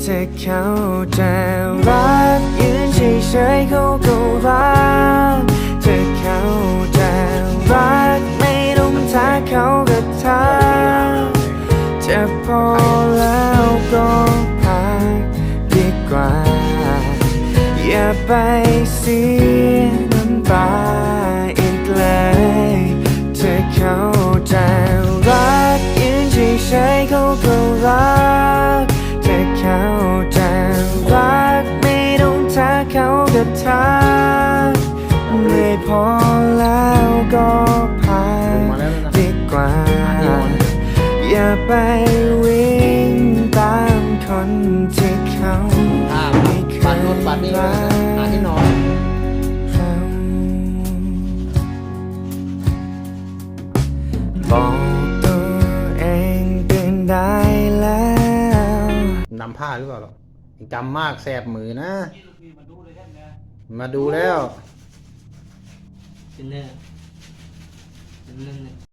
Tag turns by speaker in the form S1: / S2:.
S1: ถ้าเขาจะรักยืนเฉยๆเขาก็รักถ้าเขาจะรักไม่ต้องทักเขาก็ทักจะพอแล้วก็พักดีกว่าอย่าไปเสียน้ำตาอีกเลยถ้าเขาจะรักยืนเฉยๆเขาก็รักถ้าเขาจะรักไม่ต้องทักเขาก็ทักไม่พอแล้วก็พักดีกว่าอย่าไปวิ่งตามคนที่เขาไม่เคยรักบอกตัวเองตื่นได้แล้ว
S2: นำผ้าหรือเปล่าหรอกจำมากแสบมือนะมาดูแล้ว
S3: เป็นเรื่อง